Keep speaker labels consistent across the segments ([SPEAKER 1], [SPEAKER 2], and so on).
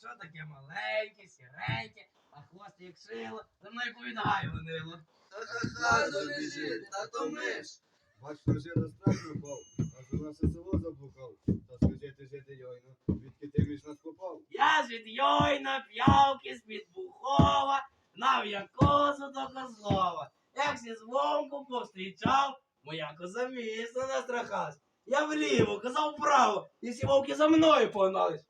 [SPEAKER 1] що таке маленьке, сіреньке, а хвост як шило, за мною повідає вонило.
[SPEAKER 2] Хай добіжить, та то ми ж.
[SPEAKER 3] Бач, що жида страх напав, аж у наше село заблукав. Та скажи ти жити йойно, відки ти між нас попав.
[SPEAKER 1] Я ж від Йойна, П'явки, з-під Бухова, гнав я козу до Козлова. Як зі звонку повстрічав, моя коза міцно настрахалась. Я вліво, коза вправо, і всі вовки за мною погнались.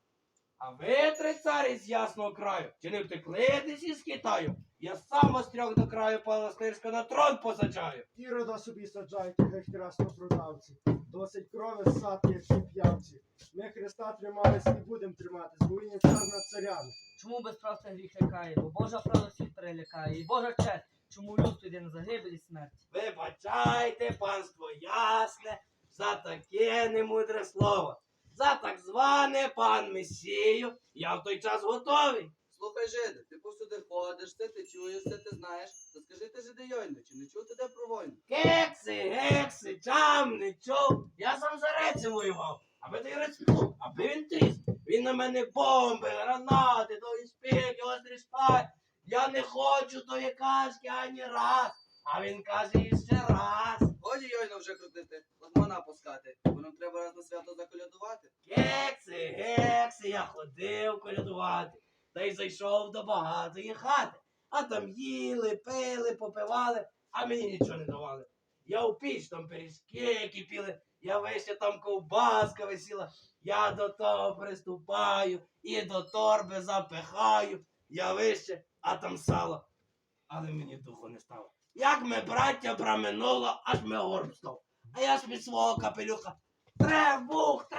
[SPEAKER 1] А ви, три царі з ясного краю, чи не втекли десь із Китаю? Я сам вас трьох до краю Паластирська на трон посаджаю.
[SPEAKER 4] Ірода собі саджайте, геть краснопродавці. Досить крови ссати, як ті п'явці. Ми Христа тримались і будем триматись, бо він є цар над царями.
[SPEAKER 5] Чому безправця гріх лякає? Бо Божа правда всіх перелякає. І Божа честь, чому людство йде на загибель і смерть.
[SPEAKER 1] Вибачайте, панство ясне, за таке немудре слово. За так зване пан Месію, я в той час готовий.
[SPEAKER 2] Слухай, жиде, ти повсюди ходиш, це ти чуєш, це ти знаєш. Та скажи ти, жиде Йойно, чи не чув ти де про війну?
[SPEAKER 1] Кекси, гекси, чам не чув. Я сам за Рецем воював, аби той Рец плуг, аби він тріс. Він на мене бомби, гранати, довгі спіки, острі шпаги. Я не хочу тої казки ані раз. А він каже іще раз.
[SPEAKER 2] Годі Йойно вже крутити, лагмана пускати, бо нам треба раз на свято заколядувати.
[SPEAKER 1] Кекси, гекси, я ходив колядувати. Та й зайшов до багатої хати. А там їли, пили, попивали, а мені нічого не давали. Я у піч там пиріжки кипіли, я вище там ковбаска висіла. Я до того приступаю і до торби запихаю. Я вище, а там сало. Але мені духу не стало. Як ми, браття, проминуло, аж ми горб став. А я ж від свого капелюха трем-бух,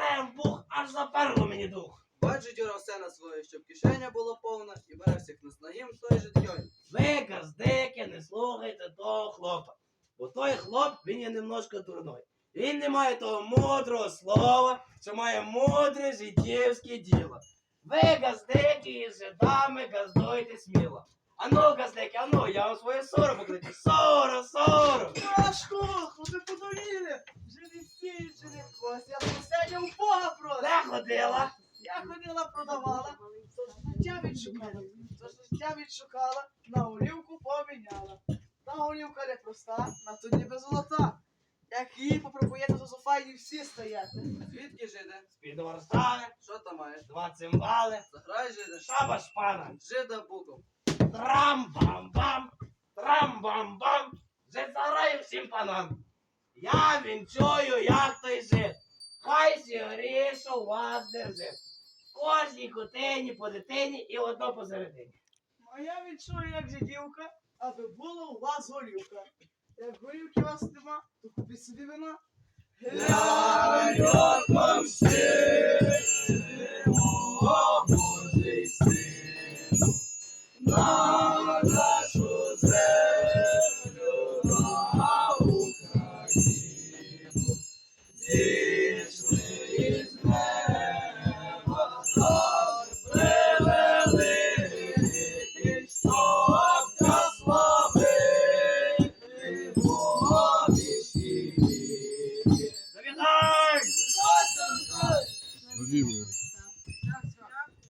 [SPEAKER 1] аж заперло мені дух.
[SPEAKER 2] Бачить Юра все на своє, щоб кишеня була повна, і бере всіх нас на їм той же Йойно.
[SPEAKER 1] Ви, газдики, не слухайте того хлопа. Бо той хлоп, він є немножко дурной. Він не має того мудрого слова, що має мудре життєвське діло. Ви, газдики, із жидами газдуйте сміло. Ану, газдики, ану, я вам своє соро покличу. Соро!
[SPEAKER 6] Пашко, хлопи подуріли. Живі всі, живі хвост. Я посидя у Бога просто.
[SPEAKER 1] Де ходила?
[SPEAKER 6] Я ходила, продавала. То життя відшукала, на олівку поміняла. Та олівка не проста, на то ніби золота. Як її попробуєте, то зофайні всі стояти.
[SPEAKER 2] Звідки, жиде?
[SPEAKER 1] З-під Варшави,
[SPEAKER 2] Що там маєш?
[SPEAKER 1] 2 цимбали,
[SPEAKER 2] Заграй, жиде.
[SPEAKER 1] шаба шпана.
[SPEAKER 2] Жида буков.
[SPEAKER 1] Трам-бам-бам, трам-бам-бам, вже заграю всім панам. Я вінчую, як той жит, хай сі грішу вас держить. Кожній кутині по дитині і одно посередині.
[SPEAKER 6] Моя відчує, як жидівка, аби було у вас горілка. Як горілки у вас нема, то купіть собі вина.
[SPEAKER 1] Ля-ля-ля.